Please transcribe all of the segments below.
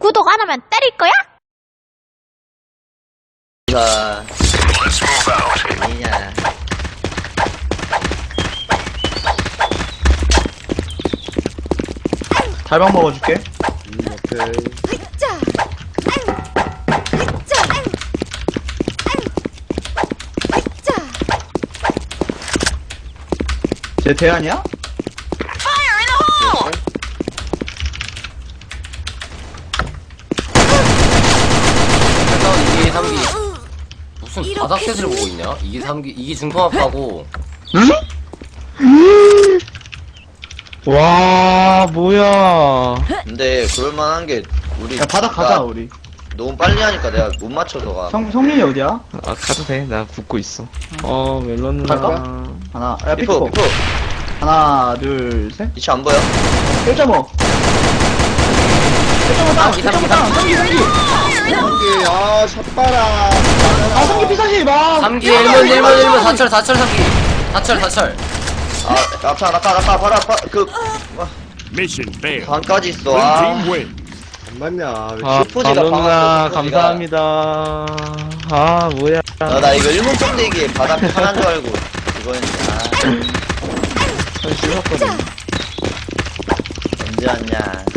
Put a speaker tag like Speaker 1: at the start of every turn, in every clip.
Speaker 1: 구독 안 하면 때릴 거야?
Speaker 2: 자, 아니냐.
Speaker 3: 달방 먹어줄게.
Speaker 4: 오케이.
Speaker 3: 쟤 대안이야?
Speaker 5: 이게 3기 무슨 바닥셋을 보고 있냐? 이게 3기 이게 중통합하고
Speaker 4: 응? 와, 뭐야.
Speaker 2: 근데 그럴만한 게 우리
Speaker 3: 야 바닥 가자 우리.
Speaker 2: 너무 빨리 하니까 내가 못 맞춰서가.
Speaker 3: 성민이 어디야?
Speaker 4: 아, 가도 돼. 나 붙고 있어. 멜론 누나.
Speaker 3: 갈까? 하나, 야
Speaker 2: 피포,
Speaker 3: 피코.
Speaker 2: 피포.
Speaker 3: 하나, 둘, 셋.
Speaker 2: 이치 안 보여?
Speaker 3: 1.5. 1.5 다운. 1.5 다운. 성기.
Speaker 4: 한개, 아, 샷바라.
Speaker 3: 아 성기 피사시 봐.
Speaker 5: 3기 1문 4철 3기 4철
Speaker 2: 아, 낙하, 바로 앞,
Speaker 6: Mission failed.
Speaker 2: 반까지 있어.
Speaker 6: Blue
Speaker 2: 아,
Speaker 6: team win.
Speaker 4: 안 맞냐.
Speaker 2: 아, 슈퍼지가
Speaker 4: 멜론 누나,
Speaker 2: 방황했어, 슈퍼지가.
Speaker 4: 감사합니다. 아, 뭐야.
Speaker 2: 나 이거 일본 tom대기에 바닥 하나인 줄 알고 그거였는데. 아,
Speaker 4: 씹었거든.
Speaker 2: 언제 왔냐.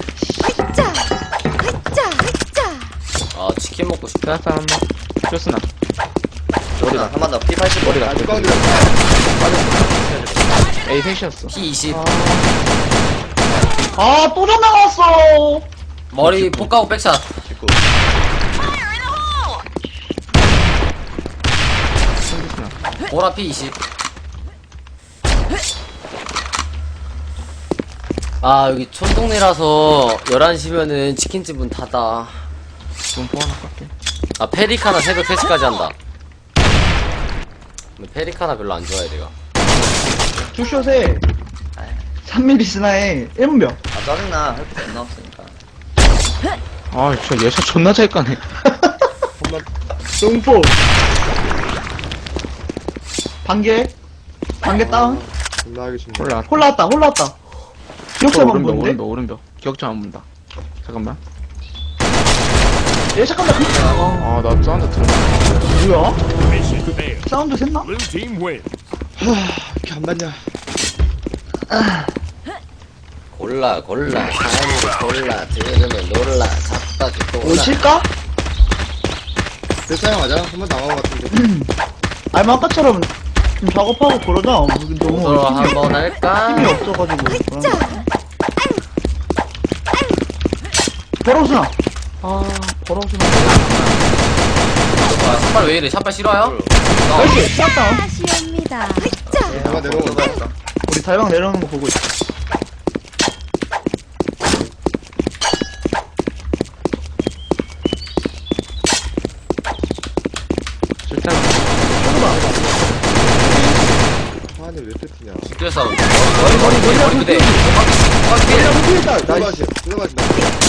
Speaker 5: 아 치킨 먹고 싶다.
Speaker 4: 자, 한 번. 쇼스나.
Speaker 2: 머리가 한번 더 P80
Speaker 4: 머리가.
Speaker 2: 머리가.
Speaker 4: A 셋이었어.
Speaker 5: P20
Speaker 3: 아 또 전 나왔어.
Speaker 5: 머리 폭가고 백샷
Speaker 2: 짓고.
Speaker 5: 보라 P20 아 여기 촌동네라서 11시면은 치킨집은 닫아.
Speaker 4: 문포 하나 깎게.
Speaker 5: 아 페리카나 새벽 3시까지 한다. 근데 페리카나 별로 안 좋아해 내가.
Speaker 3: 투숏에 3mm 스나에 1문병.
Speaker 2: 아, 짜증나. 할거 안 나왔으니까.
Speaker 4: 아, 저 예샷 존나 잘 까네.
Speaker 3: 동포. 반개. 반개 다운.
Speaker 4: 홀라.
Speaker 3: 홀라왔다. 기억자만
Speaker 4: 오른벽,
Speaker 3: 보는데?
Speaker 4: 오른벽. 기억자 안 본다. 잠깐만.
Speaker 3: 얘 잠깐만.
Speaker 4: 아, 나 사운드 들었어.
Speaker 3: 뭐야?
Speaker 6: Mission failed.
Speaker 3: 사운드 샜나?
Speaker 6: Blue team win.
Speaker 4: 이렇게 안 맞냐.
Speaker 5: 골라 사람을 골라 들으면 놀라 잡다 죽고
Speaker 3: 올 칠까?
Speaker 4: 대사용하자. 한 번 나간 것 같은데.
Speaker 3: 아니 아까처럼 좀 작업하고 그러자. 너무
Speaker 5: 서로
Speaker 3: 힘이,
Speaker 5: 한번 할까?
Speaker 3: 힘이 없어가지고. 버러스나.
Speaker 4: 아, 버러우시나.
Speaker 5: 아, 샷발 왜 이래? 샷발 싫어요?
Speaker 3: 나이스. 샷다운.
Speaker 1: 다시옵니다.
Speaker 4: 내가 내려온다.
Speaker 3: 우리 달방 내려오는 거 보고 있어.
Speaker 4: 실탄.
Speaker 7: 아니 왜 패티냐?
Speaker 5: 집들 싸움.
Speaker 3: 머리
Speaker 5: 그대.
Speaker 3: 피했다. 나이스.
Speaker 7: 들어가시 들어가신다.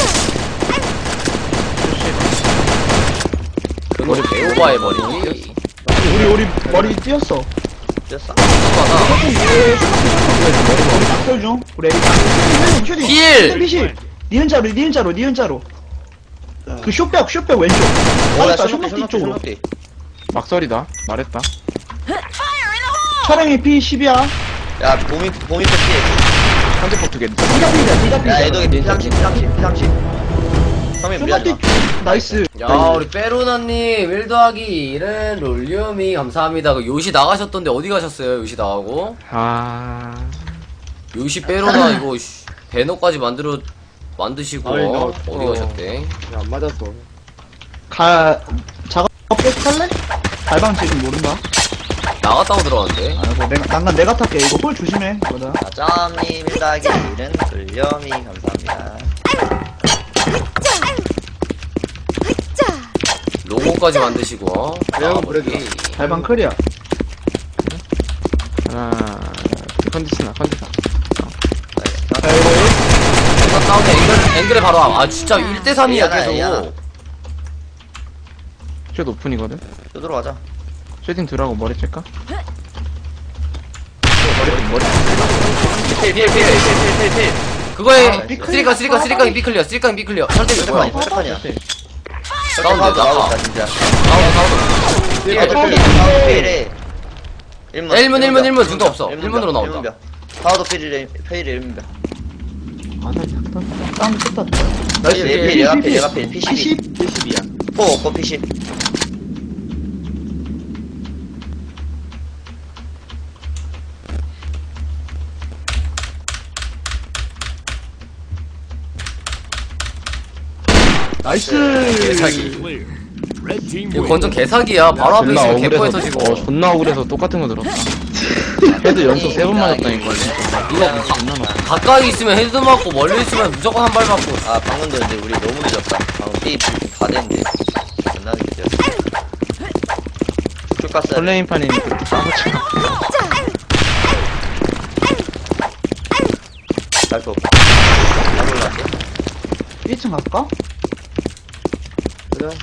Speaker 5: 그 머리 배우바의 머리.
Speaker 3: 우리 머리 띄었어.
Speaker 2: 됐어.
Speaker 3: 우리 낙설 중. 우리 슈팅.
Speaker 5: 필!
Speaker 3: 슛. 니은자로. 그 슛백 왼쪽. 맞았다. 슛백뒤 쪽으로.
Speaker 4: 막설이다. 말했다.
Speaker 3: 촬영이 P10이야.
Speaker 2: 야, 봄이 패티.
Speaker 4: 현대포 두 개.
Speaker 3: 니가 P이다.
Speaker 2: 야, 애덕이 P30. 형님 미안해.
Speaker 3: 나이스.
Speaker 5: 야, 우리 빼로나님 1 더하기 1은 롤리움이 감사합니다. 그 요시 나가셨던데 어디 가셨어요? 요시 나가고.
Speaker 4: 아.
Speaker 5: 요시 빼로나 이거 배너까지 만드시고
Speaker 7: 아니, 나-
Speaker 5: 어디 가셨대?
Speaker 7: 안 맞았어.
Speaker 3: 작업 계속 할래? 달방 지금 모른다.
Speaker 5: 나갔다고 들어왔는데.
Speaker 3: 아이고 내가 탈게. 이거 홀 조심해. 뭐다.
Speaker 2: 짜장님 1 1은 끌렴이 감사합니다.
Speaker 5: 로고까지 만드시고.
Speaker 7: 내가 그래도
Speaker 3: 달방 클리어.
Speaker 4: 하나. 컨디스나.
Speaker 3: 자 이거
Speaker 5: 일단 다운에 앵글에 바로 와. 아 진짜 1대3이야
Speaker 2: 이하나.
Speaker 5: 계속.
Speaker 4: 쉣 오픈이거든.
Speaker 2: 또 들어가자.
Speaker 4: 쉐딩 들어가고 머리 찔까?
Speaker 2: 필.
Speaker 5: 그거에
Speaker 3: 삐클리어.
Speaker 5: 쓰리깡 삐클리어 쓰리깡 삐클리어 설대
Speaker 2: 잠깐만,
Speaker 5: 뭐야
Speaker 2: 잠깐만이야.
Speaker 5: 사운드
Speaker 2: 나오다,
Speaker 5: 나가
Speaker 2: 진짜.
Speaker 5: 사운드
Speaker 2: 야, 사우도 필이래.
Speaker 5: 1문 중도 없어 1문으로 나온다
Speaker 2: 사우도 필이래, 페일이 1문이야.
Speaker 3: 아나 약간 다운 쳤다.
Speaker 2: 나이스, 얘가 필, 얘가 필, P12.
Speaker 7: 70이야.
Speaker 2: 포 없고 P10.
Speaker 3: 나이스.
Speaker 5: 개사기
Speaker 6: Clear. Red team
Speaker 5: 이거
Speaker 6: wins.
Speaker 5: 건전 개사기야 바로 앞에
Speaker 4: 존나
Speaker 5: 있으면 개포에서
Speaker 4: 억울해서
Speaker 5: 지금
Speaker 4: 존나 억울해서 똑같은 거 들었다. 헤드 연속 3번 맞았다니까.
Speaker 5: 이거 가까이 있으면 헤드 맞고 멀리 있으면 무조건 한 발 맞고
Speaker 2: 아, 방금도 근데 우리 너무 늦었다. 방금 B 다 됐는데. 존나 늦게 되었어. 쭉
Speaker 4: 설레임판이니 그렇게 싸우지 마.
Speaker 2: 날거 없고. 안 올라왔어?
Speaker 3: 1층 갈까?
Speaker 7: 그래.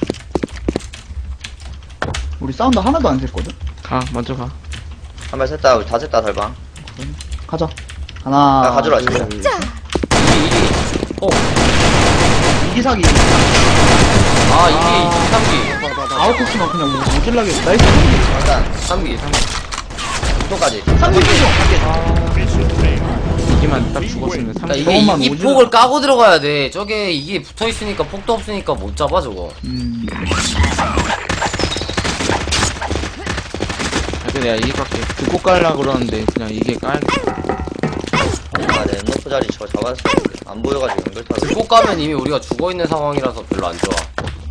Speaker 3: 우리 사운드 하나도 안 셌거든.
Speaker 4: 가, 먼저 가.
Speaker 2: 한발 셌다, 우리 다 셌다, 달방.
Speaker 3: 가자. 하나.
Speaker 2: 아, 가져라, 진짜.
Speaker 3: 이기사기.
Speaker 5: 아 이게 3기
Speaker 3: 아웃코스만 그냥 오질라게. 나이스.
Speaker 2: 일단,
Speaker 5: 3기
Speaker 2: 구토까지.
Speaker 3: 3기
Speaker 6: Mission failed.
Speaker 4: 이기만 딱 죽었으면
Speaker 5: 그러니까
Speaker 4: 3점.
Speaker 5: 이게
Speaker 3: 저것만
Speaker 5: 이
Speaker 3: 오지는
Speaker 5: 폭을 까고 들어가야 돼 저게 이게 붙어있으니까 폭도 없으니까 못 잡아 저거
Speaker 4: 내가 이게 깎게. 듣고 깔려고 그러는데 그냥 이게 까야겠다.
Speaker 2: 아, 내 엔너프 자리 저거 잡았어야 했는데. 안 보여가지고 연결 타고.
Speaker 5: 들고 까면 이미 우리가 죽어있는 상황이라서 별로 안 좋아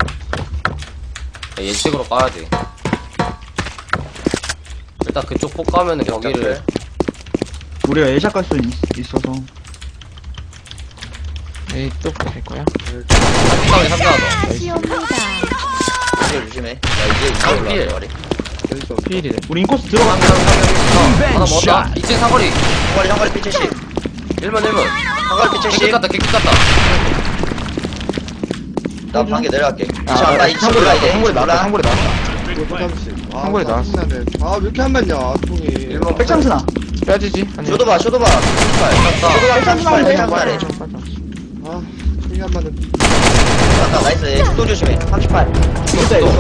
Speaker 5: 예측으로 까야 돼 일단 그쪽 폭 까면은 거기를
Speaker 3: 우리가 애샷 갈 수 있어서.
Speaker 4: 에이, 또 갈 거야?
Speaker 5: 상상에 상대하다
Speaker 1: 시옵니다.
Speaker 2: 이제 조심해. 야, 이제
Speaker 5: 필.
Speaker 2: 올라왔어, 머리.
Speaker 7: 왼쪽.
Speaker 4: 피일이래.
Speaker 3: 우리 인코스 들어가.
Speaker 5: 하나 먹었다 2층 사거리
Speaker 2: 상거리 P70.
Speaker 5: 1문
Speaker 2: 상거리
Speaker 5: 개끗
Speaker 2: P70.
Speaker 5: 같다 개끗 같다
Speaker 2: 나 방개 내려갈게.
Speaker 4: 아,
Speaker 2: 나 2층
Speaker 4: 상골에
Speaker 2: 올라,
Speaker 4: 나왔다,
Speaker 2: 이제.
Speaker 4: 상골에 나왔다,
Speaker 2: 2층
Speaker 4: 상골에 나왔다.
Speaker 7: 이거 30. 아,
Speaker 4: 한골에 나왔어.
Speaker 7: 짜증나네. 아, 왜 이렇게 안 맞냐, 통이.
Speaker 3: 백창스나.
Speaker 4: 빼지지? 아니.
Speaker 2: 쇼도바, 쇼도바. 쇼도바,
Speaker 3: 백창스나.
Speaker 2: 백창스나래.
Speaker 7: 아, 통이 안 맞는.
Speaker 2: 맞다, 나이스. 속도 조심해. 38.
Speaker 3: 진짜 이거.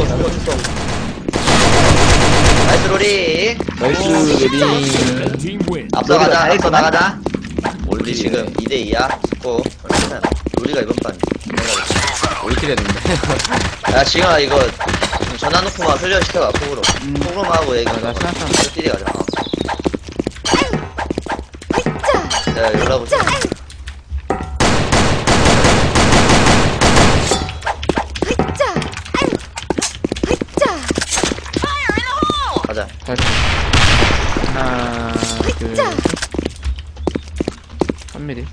Speaker 2: 나이스, 로리.
Speaker 4: 나이스, 레디.
Speaker 6: Red team wins.
Speaker 2: 앞서 가자,
Speaker 3: 로리가
Speaker 2: 앞서
Speaker 3: 다
Speaker 2: 나가자. 우리 지금 2대2야. 고 로리가 이번 판.
Speaker 5: 올킬 했는데
Speaker 2: 야, 지금아, 이거. 전화 놓고만 훈련시켜봐, 폭으로. 폭으로만 하고 얘기
Speaker 4: 나 생각하면
Speaker 2: 뛰리 가자. 야, 연락 오자. 가자.
Speaker 4: 다시. 하나, 둘, 3mm.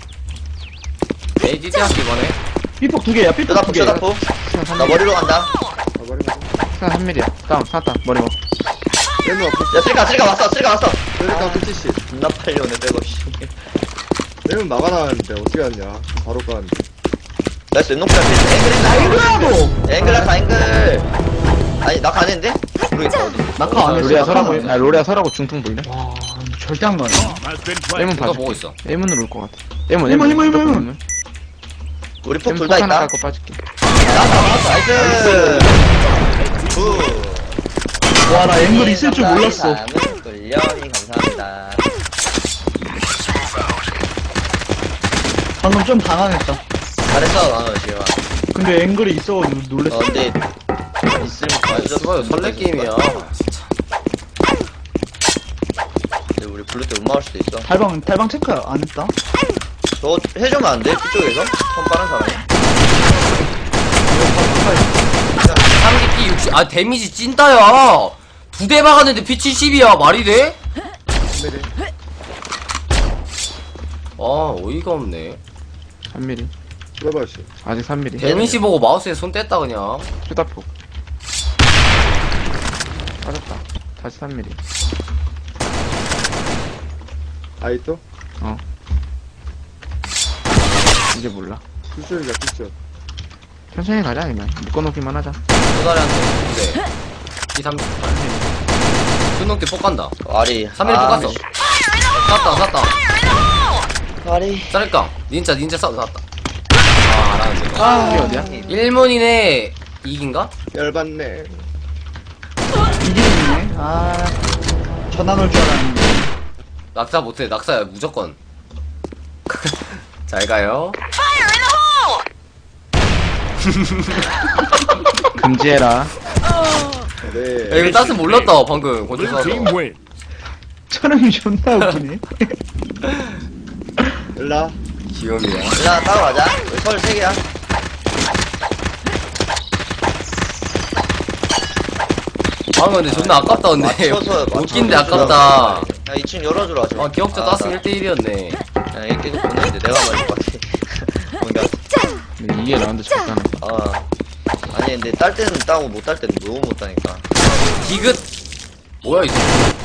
Speaker 5: 에이 띠띠할게 이번에
Speaker 3: 삐폭 2개야. 삐폭
Speaker 2: 쇼다포,
Speaker 3: 2개.
Speaker 2: 쇼다포. 나 머리로 간다.
Speaker 7: 아, 머리 맞아.
Speaker 4: 스나 3mm야. 다운, 샀다. 머리 먹.
Speaker 7: 왼쪽 앞에.
Speaker 2: 야, 쓸까 왔어, 쓸까 왔어.
Speaker 7: 왼쪽 앞에 70.
Speaker 2: 존나 빨리 오네, 백업, 씨.
Speaker 7: 왼쪽 나가라는데 어떻게 왔냐. 바로 가는데.
Speaker 2: 나이스, 왼쪽이랑 필. 앵글 있나?
Speaker 3: 앵글라도.
Speaker 2: 앵글 낙하, 앵글. 아니, 낙하 안 했는데? 모르겠다, 어디.
Speaker 3: 낙하 안 했어.
Speaker 4: 로리아
Speaker 3: 낙하
Speaker 4: 서라고,
Speaker 3: 안 했어.
Speaker 4: 아, 로리아 서라고 중통 보이네?
Speaker 3: 와, 절대 안 가네.
Speaker 6: Has been planted.
Speaker 4: 1문
Speaker 5: 누가
Speaker 4: 봐줘.
Speaker 5: 보고 있어
Speaker 4: 1문으로 올 것 같아. 1문,
Speaker 3: 일문,
Speaker 4: 1문.
Speaker 3: 일문, 일문.
Speaker 2: 우리 폭
Speaker 4: 1문
Speaker 2: 둘 다
Speaker 4: 하나
Speaker 2: 있다.
Speaker 4: 깔고 빠질게.
Speaker 2: 나왔어, 나이스. 굿.
Speaker 3: 와, 나 앵글 있을 줄 몰랐어.
Speaker 2: 꿀령이 감사합니다.
Speaker 3: 방금 좀 당황했다.
Speaker 2: 잘했어, 지금.
Speaker 3: 근데 앵글이 있어가지고 놀랬어.
Speaker 2: 근데 있으면 다
Speaker 5: 아 수바요 설레 게임이야 진짜
Speaker 2: 근데 우리 부를 때 음마올 수도 있어.
Speaker 3: 달방 체크 안 했다.
Speaker 2: 저 해주면 안 돼? 그쪽에서? 손 빠른 사람이?
Speaker 5: 3기 피 60. 아 데미지 찐따야 2대 박았는데 피 70이야 말이 돼? 아 어이가 없네
Speaker 4: 3mm.
Speaker 7: 들어봐, 씨.
Speaker 4: 아직 3mm.
Speaker 5: 데미지 보고 마우스에 손 뗐다 그냥
Speaker 4: 휴다폭. 빠졌다. 다시 3mm.
Speaker 7: 아이 또?
Speaker 4: 이제 몰라.
Speaker 7: 굿쇼이다, 굿쇼.
Speaker 4: 천천히 가자, 아니면. 묶어놓기만 하자.
Speaker 5: 도다리한테 근데 이 3기 순동대 폭 간다
Speaker 2: 아리.
Speaker 5: 3일 폭 갔어 쐈다
Speaker 2: 피파리.
Speaker 5: 짤까? 닌자 싸움 나왔다. 아, 나는
Speaker 4: 이게 어디야?
Speaker 5: 1문이네 이긴가?
Speaker 7: 열받네.
Speaker 3: 이기네. 전화 놓을 줄 알았는데.
Speaker 5: 낙사 못해. 낙사야 무조건. 잘 가요.
Speaker 4: 금지해라.
Speaker 7: 네.
Speaker 5: 야, 이거 따스 몰랐다 방금 권총
Speaker 6: Blue team
Speaker 5: 쏴서.
Speaker 6: wins.
Speaker 3: 촬영이 존나 웃기네.
Speaker 7: 일라.
Speaker 5: 귀염이야.
Speaker 2: 일단 따라가자. 우리 서울 3개야.
Speaker 5: 방금 근데 존나 아깝다 근데.
Speaker 2: 맞춰서
Speaker 5: 웃긴데
Speaker 2: 맞춰서
Speaker 5: 아깝다.
Speaker 2: 야 2층 열어주라 좀.
Speaker 5: 아 기억자 따스 1대1이었네.
Speaker 2: 야 이게 계속 보내는데 내가 말할 것 같아. 뭔가
Speaker 4: 근데 이게 라운드 적잖아.
Speaker 2: 아니 근데 딸 때는 따고 못 딸 때는 너무 못 따니까.
Speaker 5: 디귿 뭐야 이거?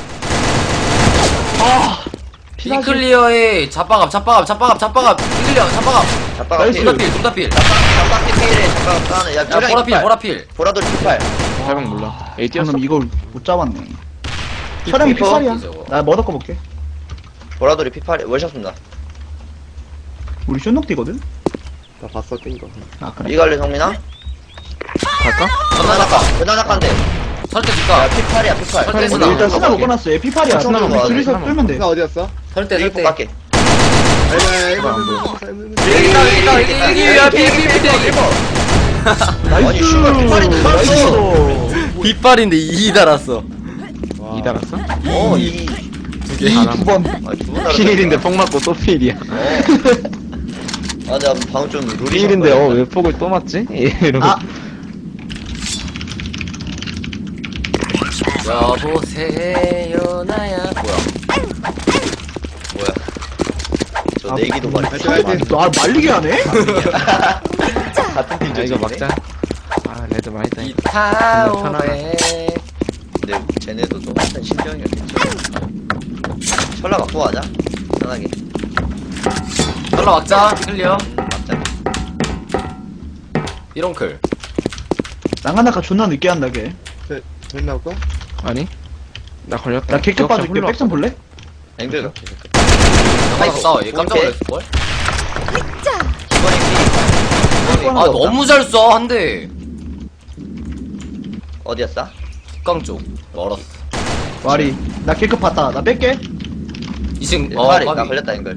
Speaker 3: 피나시.
Speaker 5: 비클리어의 잡박압 비클리어 잡박압
Speaker 2: 잡바가
Speaker 3: 나이스.
Speaker 2: 필.
Speaker 5: 둘다필
Speaker 2: 잡바퀴 필에 잡바가 따네. 야
Speaker 5: 야 보라필
Speaker 2: 보라돌 피팔.
Speaker 4: 잘방 몰라. 에이 뛰었어?
Speaker 3: 방금 이걸 못 잡았네. 촬영이
Speaker 2: 피퍼?
Speaker 3: 피살이야.
Speaker 5: 저거.
Speaker 3: 나 머더 거 볼게.
Speaker 2: 보라돌이 피팔에 월샷 쏜다.
Speaker 3: 우리 쇼녹띠거든?
Speaker 7: 나 봤어, 뛴 거.
Speaker 3: 아, 그래?
Speaker 2: 이갈래 성민아?
Speaker 4: 갈까?
Speaker 2: 전화나까.
Speaker 5: 설대
Speaker 2: 야
Speaker 5: 줄까?
Speaker 2: 피팔이야 피팔.
Speaker 5: 설대
Speaker 3: 우리
Speaker 5: 쓰나?
Speaker 3: 일단 스나 먹어놨어. 얘 피팔이야.
Speaker 2: 아, 스나
Speaker 3: 우리
Speaker 2: 먹어야 돼.
Speaker 3: 둘이서
Speaker 4: 스나
Speaker 3: 끌면 돼.
Speaker 7: 나 어디였어?
Speaker 5: 설대
Speaker 2: 일곱
Speaker 5: 설대
Speaker 2: 갈게. 아니 슈가 피팔인데 살았어.
Speaker 5: 빗발인데 2 달았어.
Speaker 4: 이 달았어?
Speaker 2: 이
Speaker 3: 두 번.
Speaker 2: 두번
Speaker 4: 피일인데 폭 맞고 또 피일이야.
Speaker 2: 아 내가 방금 좀 룰이
Speaker 4: 피일인데 왜 폭을 또 맞지? 이러고.
Speaker 3: 아.
Speaker 5: 여보세요 나야
Speaker 2: 뭐야 저 내기도 말이
Speaker 3: 아, 말리게 하네?
Speaker 2: 같은 팀
Speaker 4: 야 이거
Speaker 2: 저쪽이네.
Speaker 4: 막자. 아 레드 많이 따.
Speaker 5: 이타오에
Speaker 2: 근데 쟤네도 똑같은 심정이었겠죠. 철라 갖고 가자 편하게.
Speaker 5: 연락 막자 비클리어
Speaker 2: 맞자.
Speaker 5: 이런클
Speaker 3: 나가나가 존나 늦게 한다, 걔.
Speaker 7: 된 나올까?
Speaker 4: 아니? 나 걸렸다.
Speaker 3: 나 객격 봐줄게. 백점 볼래?
Speaker 2: 앵글 갈게.
Speaker 5: 나가서 싸워 얘 깜짝 놀랐을걸?
Speaker 2: 기본이
Speaker 5: 아 너무 잘 쏴 한대
Speaker 2: 어디였어?
Speaker 5: 국강 쪽 멀었어
Speaker 3: 와리. 나 객격 봤다. 나 뺄게.
Speaker 5: 2층
Speaker 2: 파리 나
Speaker 5: 까비
Speaker 2: 걸렸다 앵글.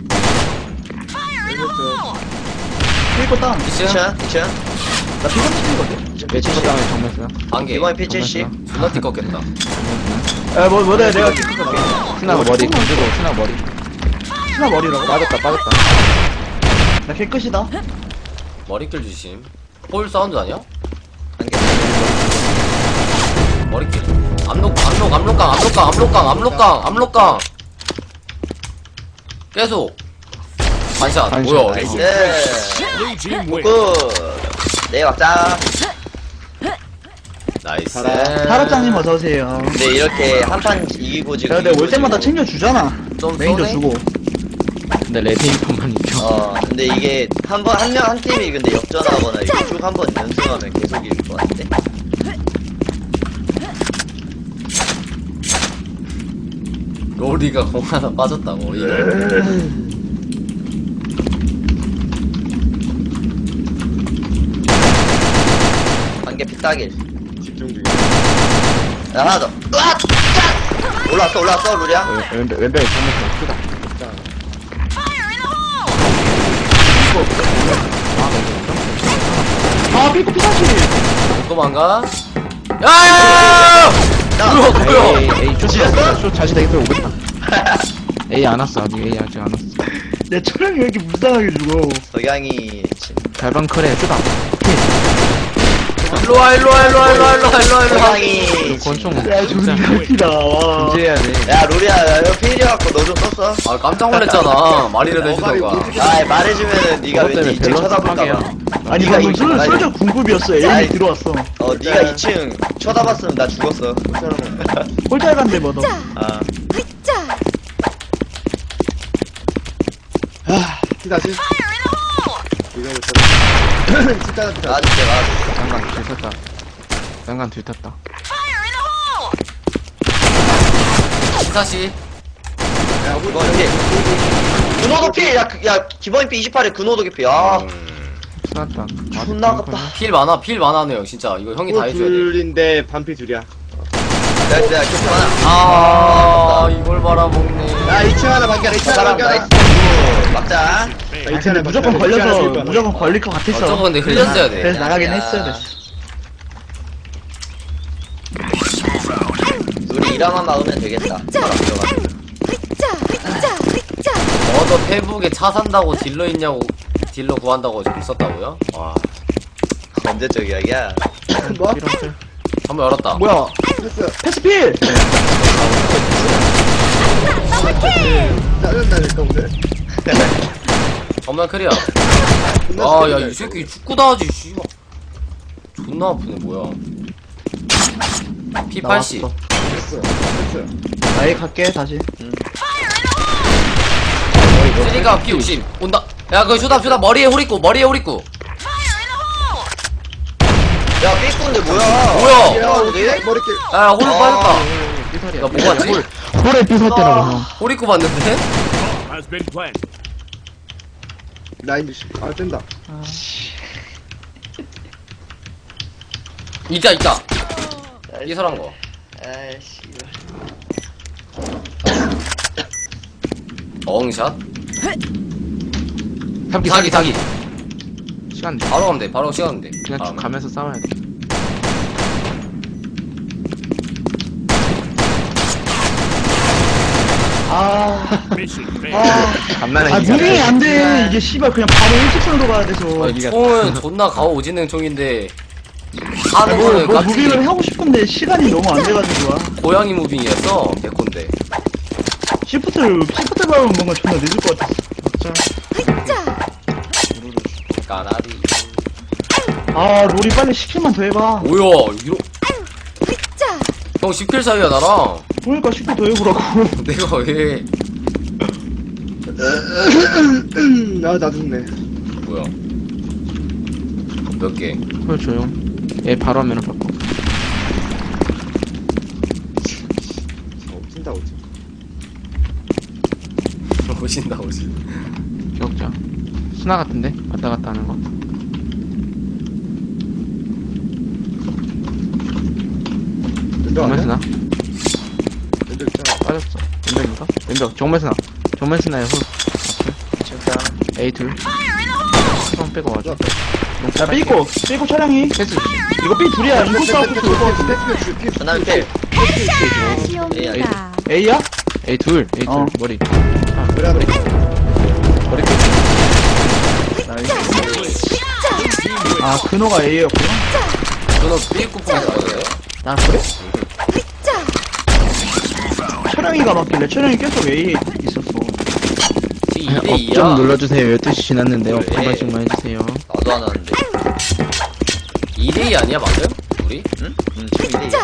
Speaker 3: 킬거 땅.
Speaker 5: 2층
Speaker 2: 2층 2층.
Speaker 3: 나 피건 치는거든.
Speaker 4: 매치고 다음에 정말 쓰나?
Speaker 5: 안개
Speaker 2: 기본이 P70.
Speaker 5: 존나 띠껍겠다
Speaker 3: 야, 뭐래. 내가 객격 갈게.
Speaker 4: 스나 머리 건드고 스나 머리.
Speaker 3: 스나 머리라고?
Speaker 4: 빠졌다.
Speaker 3: 나 객끝이다.
Speaker 5: 머리길 주심 홀 사운드 아니야?
Speaker 2: 안개.
Speaker 5: 머리길 압록강 계속 반샷
Speaker 4: 반샷.
Speaker 5: 뭐야
Speaker 2: 나이스.
Speaker 6: Blue team wins.
Speaker 2: 굿. 네 막자.
Speaker 5: 나이스
Speaker 3: 사라짱님 어서오세요.
Speaker 2: 근데 이렇게 한 판 이기고 지금.
Speaker 3: 야, 내가 올 때마다
Speaker 2: 이기고
Speaker 3: 챙겨주잖아.
Speaker 5: 좀
Speaker 3: 메인저
Speaker 5: 쏘네?
Speaker 3: 주고.
Speaker 4: 근데 레드 인폰만 있죠.
Speaker 2: 근데 이게 한 팀이 근데 역전하거나 이거 쭉 한 번 연승하면 계속 이길 것 같은데.
Speaker 5: 로리가 공 하나 빠졌다고 이런
Speaker 2: 한개 피따길.
Speaker 7: 집중 중이야.
Speaker 2: 야 하나 더. 으악! 짝! 올라왔어 루리야.
Speaker 4: 왼벽에 정말 크다.
Speaker 3: 아, 삐꾸 피사시.
Speaker 5: 도망가 야야야야야
Speaker 2: 야.
Speaker 5: 뭐야
Speaker 4: 에이 쇼 자시 되겠어 오겠다. 에이 안 왔어 아직 에이 아직 안 왔어.
Speaker 3: 내 촬영이 왜 이렇게 무상하게 죽어.
Speaker 2: 석양이
Speaker 4: 달방 크래 쇼다.
Speaker 5: 일로와
Speaker 2: 석양이
Speaker 4: 권총
Speaker 3: 야, 존나 웃기다. 와.
Speaker 4: 금지해야 돼.
Speaker 2: 야 루리야 야, 이거 필이어갖고 너 좀 썼어.
Speaker 5: 아 깜짝 놀랐잖아 말이라도 해주던가
Speaker 2: 아 말해주면은 네가
Speaker 4: 그것 때문에
Speaker 2: 왠지 2층
Speaker 4: 밸런스
Speaker 2: 쳐다볼까봐.
Speaker 4: 파괴야.
Speaker 3: 아니,
Speaker 2: 네가
Speaker 3: 이거
Speaker 2: 이층
Speaker 3: 솔저 궁급이었어.
Speaker 2: 아이.
Speaker 3: 에임이 들어왔어.
Speaker 2: 네가 2층 쳐다봤으면 나 죽었어.
Speaker 3: 홀잘 간대, 뭐, 너.
Speaker 2: 아
Speaker 7: 다시. 이거부터. 진짜
Speaker 2: 놔줄게.
Speaker 4: 장관 뒤탔다. 장관 뒤탔다.
Speaker 5: 다시
Speaker 7: 야,
Speaker 2: 기본 피. 근호도 피. 야 기본 피 28에 근호도 피. 아
Speaker 4: 쏘았다.
Speaker 2: 존나 아깝다.
Speaker 5: 필 많아네요 진짜. 이거 형이 다 해줘야 돼.
Speaker 7: 둘인데 반피 둘이야.
Speaker 2: 내가 기본 하나.
Speaker 5: 아 이걸 말아먹네.
Speaker 7: 야, 2층 하나 반격, 2층 하나
Speaker 2: 사람
Speaker 7: 반격.
Speaker 2: 나이스. 막자.
Speaker 7: 야,
Speaker 3: 아니,
Speaker 7: 2층
Speaker 3: 근데
Speaker 7: 하나
Speaker 3: 무조건
Speaker 7: 반격.
Speaker 3: 걸려서
Speaker 7: 2층 하나
Speaker 3: 무조건 걸릴 것 같았어.
Speaker 5: 저거 근데 흘렸어야 돼.
Speaker 3: 그래서 나가긴
Speaker 2: 야.
Speaker 3: 했어야 됐어.
Speaker 2: 우리 이라만 막으면 되겠다. 사람 들어가.
Speaker 5: 어저 페북에 차 산다고 딜러 있냐고 딜러 구한다고 지금 썼다고요? 와
Speaker 2: 언제적 이야기야?
Speaker 7: 뭐?
Speaker 5: 한번 열었다.
Speaker 3: 뭐야?
Speaker 7: 패스.
Speaker 3: 패스필!
Speaker 7: 짜증나니까 오늘.
Speaker 5: 정면 클리어.
Speaker 7: 끝났어,
Speaker 5: 아 야 이
Speaker 7: 끝났어.
Speaker 5: 새끼 축구다 하지 씨발. 존나 아프네 뭐야. P80.
Speaker 3: 나왔어.
Speaker 7: 패스. 패스.
Speaker 3: 나에 갈게 다시.
Speaker 5: 쓰리가 P50 온다. 야 그 쇼답 머리에 홀 있고.
Speaker 2: 야 삐꾼데 뭐야?
Speaker 5: 뭐야?
Speaker 7: 야,
Speaker 2: 어디?
Speaker 7: 머리길.
Speaker 5: 야 홀로 빠졌다.
Speaker 4: 삐설이야.
Speaker 5: 야 뭐 봤지?
Speaker 4: 홀에 삐설대라고 형.
Speaker 5: 홀 있고 봤는데?
Speaker 6: Has been planted.
Speaker 7: 라인 주시. 아, 뗀다.
Speaker 5: 있다 이설한 거.
Speaker 2: 아이씨.
Speaker 5: 엉샷.
Speaker 4: 사기.
Speaker 5: 사기.
Speaker 4: 시간 돼.
Speaker 5: 바로 가면 돼. 바로 시간 돼.
Speaker 4: 그냥 쭉
Speaker 5: 다음에.
Speaker 4: 가면서 싸워야 돼.
Speaker 6: Mission failed.
Speaker 4: 간만에
Speaker 3: 아 무빙이 안 돼. 이게 씨발 그냥 바로 일직선으로 가야 돼서.
Speaker 5: 아니, 총은 존나 가오 오지능 총인데 하는
Speaker 3: 뭐,
Speaker 5: 거는
Speaker 3: 뭐
Speaker 5: 깍두기
Speaker 3: 무빙을 하고 싶은데 시간이 너무 안 돼가지고.
Speaker 5: 고양이 무빙이었어 개콘데.
Speaker 3: 시프트를 밟으면 뭔가 존나 늦을 것 같았어.
Speaker 5: 까나리.
Speaker 3: 아 롤이 빨리 10킬만 더 해봐.
Speaker 5: 뭐야 이러. 형 10킬 사이야 나랑.
Speaker 3: 그러니까 10킬 더 해보라고.
Speaker 5: 내가 왜?
Speaker 7: 아, 나 죽네.
Speaker 5: 뭐야? 몇 개?
Speaker 4: 홀 조용. 얘 바로 화면을 바꿔.
Speaker 7: 찐다, 오지.
Speaker 5: 오신다.
Speaker 4: 기억자. 스나 같은데? 왔다 갔다 하는 거.
Speaker 7: 왼쪽
Speaker 4: 정면
Speaker 7: 아니야?
Speaker 4: 스나?
Speaker 7: 왼쪽 있잖아.
Speaker 4: 빠졌어. 왼벽인가? 왼벽. 정면 스나. 정면 스나에 홀.
Speaker 2: 진짜.
Speaker 4: A 둘. 형 빼고 와줘.
Speaker 3: 야 삐고 촬영이.
Speaker 4: 패스.
Speaker 3: 이거 삐 둘이야. 이거 싸우고 올것 같은데.
Speaker 2: 전화면 필.
Speaker 1: 시옵니다.
Speaker 3: A야?
Speaker 4: A 둘. A 둘.
Speaker 3: 어.
Speaker 4: 머리.
Speaker 7: 그래, 그래.
Speaker 3: 아 근호가 A였구나.
Speaker 5: 저는 삐꾸뽕에서 받아요.
Speaker 3: 아 그래? 촬영이가 맞길래 촬영이 계속 A에 있었어.
Speaker 5: 지금
Speaker 4: 업
Speaker 5: 2대2야.
Speaker 4: 좀 눌러주세요. 12시 지났는데 업
Speaker 2: 그래.
Speaker 4: 한 번씩만 해주세요.
Speaker 2: 나도 안 하는데.
Speaker 5: 2대2 아니야 방금? 우리?
Speaker 2: 응? 응 지금 이래.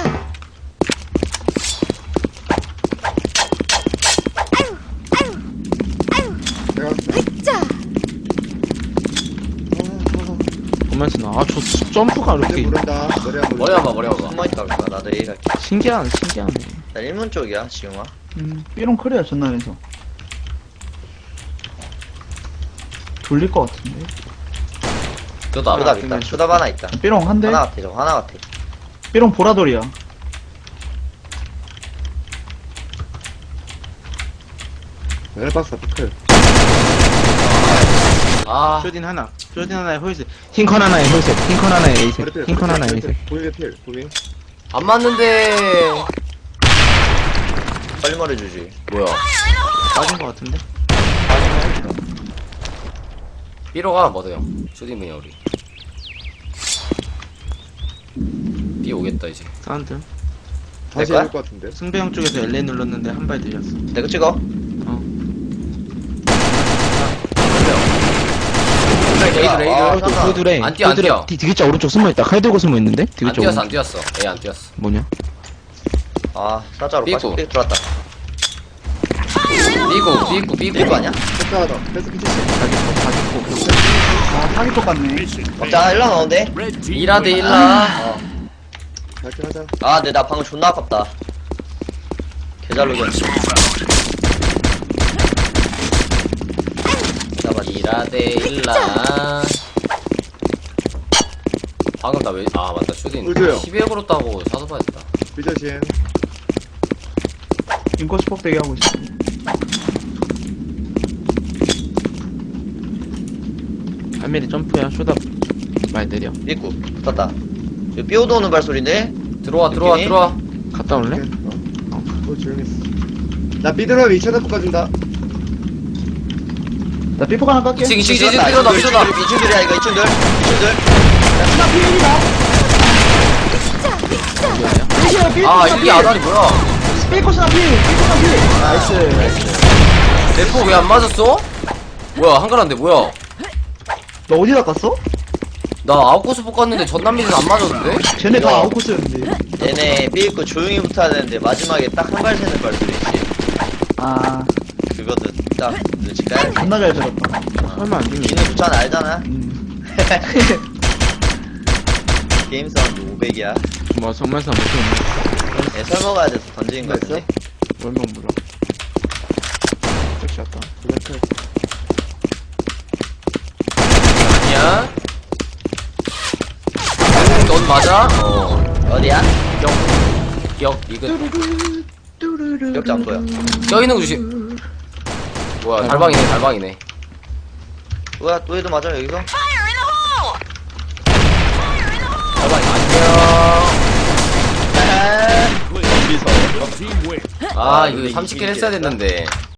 Speaker 7: 내가 왔어.
Speaker 4: 정면 스나. 아, 저 점프가
Speaker 7: 이제
Speaker 4: 이렇게
Speaker 7: 모른다.
Speaker 5: 머리 한번 머리 한번.
Speaker 2: 숨어있다 그럴까? 나도 A 갈게.
Speaker 4: 신기하네.
Speaker 2: 나 1문 쪽이야 지금아.
Speaker 3: 삐롱 커리어 전남에서. 돌릴 것 같은데.
Speaker 5: 저도
Speaker 2: 쇼답
Speaker 5: 알아.
Speaker 2: 있다. 쇼답 하나 있다.
Speaker 3: 삐롱 한 대.
Speaker 2: 하나 같아 저거 하나 같아.
Speaker 3: 삐롱 보라돌이야.
Speaker 7: 웰박스 피클.
Speaker 5: 아
Speaker 4: 쇼딘 하나. 쇼딘 하나에 홀셋. 흰컨 하나에 홀셋. 흰컨 하나에 A셋.
Speaker 7: 머리필.
Speaker 4: 흰컨 하나에 A셋.
Speaker 7: 보이게 필. 보이.
Speaker 5: 안 맞는데.
Speaker 2: 빨리 말해주지.
Speaker 5: 뭐야?
Speaker 4: 빠진 거 같은데?
Speaker 5: B로가 뭐돼요? 쇼딩맨이야 우리. B 오겠다 이제.
Speaker 4: 사운드.
Speaker 7: 다시
Speaker 2: 거야?
Speaker 7: 해줄 것 같은데.
Speaker 4: 승배형 쪽에서 LA 눌렀는데 한 발 들렸어.
Speaker 2: 내가 찍어.
Speaker 4: 어.
Speaker 5: 레이드
Speaker 2: 아,
Speaker 5: 레이드.
Speaker 2: 잠깐.
Speaker 4: 그 둘에.
Speaker 5: 안 뛰어, 안 뛰어.
Speaker 4: 디귿자 오른쪽 숨어있다. 칼 들고 숨어있는데?
Speaker 5: 안
Speaker 4: 디귿자
Speaker 5: 뛰었어
Speaker 4: 오른쪽.
Speaker 5: 안 뛰었어. A 안 뛰었어.
Speaker 4: 뭐냐?
Speaker 2: 아 사자로
Speaker 5: 삐꾸.
Speaker 2: 빠져. 삐 들어왔다.
Speaker 5: B고
Speaker 2: 삐꾸 아니야?
Speaker 7: 패스 하나 더. 패스 피치시.
Speaker 3: 아 사기 똑같네.
Speaker 6: Mission failed.
Speaker 2: 자 1라 나오는데.
Speaker 6: Red team
Speaker 5: 1대
Speaker 6: wins.
Speaker 5: 1라.
Speaker 7: 갈게 하자.
Speaker 2: 아 근데 나 방금 존나 아깝다. 개잘 녹였네.
Speaker 5: 이라데 일라. 방금 나 왜, 아, 맞다. 슈딘.
Speaker 7: 의도요.
Speaker 5: 12회 걸었다고 사서 봐야겠다.
Speaker 7: 삐져진.
Speaker 3: 인코스 폭대기 하고 있어.
Speaker 4: 한 미리 점프야. 쇼다 많이 느려.
Speaker 2: 삐꾸 붙었다. 이거 삐오도 오는 발소리인데?
Speaker 5: 들어와,
Speaker 2: 느낌이?
Speaker 5: 들어와.
Speaker 4: 갔다 올래?
Speaker 7: 또 조용했어. 나 삐들어 2차 깎아준다.
Speaker 3: 나 삐폭 하나 깎게.
Speaker 5: 2층, 2층, 2층,
Speaker 2: 삐졌다.
Speaker 5: 삐졌다, 삐졌다.
Speaker 2: 2층들이야 이거 2층들. 2층들.
Speaker 3: 나 피일이다. 삐시야 삐.
Speaker 5: 아, 이게 아다리 뭐야?
Speaker 3: 삐코스나 삐. 삐코스나 삐. 나이스.
Speaker 5: 대포 왜 안 맞았어? 뭐야, 한가란데, 뭐야?
Speaker 3: 너 어디다 깠어?
Speaker 5: 나 아웃코스 뽑았는데 전남미는 안 맞았는데?
Speaker 3: 쟤네 다
Speaker 2: 이거.
Speaker 3: 아웃코스였는데.
Speaker 2: 얘네 삐있고 조용히 붙어야 되는데 마지막에 딱 한 발 새는 발소리 있지.
Speaker 3: 아,
Speaker 2: 그것도 딱 눈치 까야 돼.
Speaker 3: 존나 잘 들었다.
Speaker 4: 설마 안 죽니?
Speaker 2: 니는 부천 알잖아.
Speaker 3: 음.
Speaker 2: 게임 사운드 500이야.
Speaker 4: 뭐 정말서 못 죽니?
Speaker 2: 얘 설먹어야 돼서 던지는 거 같은데.
Speaker 4: 월명 물어. 섹시하다.
Speaker 5: 아니야? 넌 맞아?
Speaker 2: 어디야?
Speaker 5: 기억, 이근.
Speaker 2: 기억자 안 보여.
Speaker 5: 껴있는 거 조심. 뭐야, 달방이네, 달방이네.
Speaker 2: 뭐야 또 얘도 맞아 여기서?
Speaker 5: 달방이 안녕.
Speaker 6: Red team win.
Speaker 5: 아, 이거 30킬 했어야 됐는데.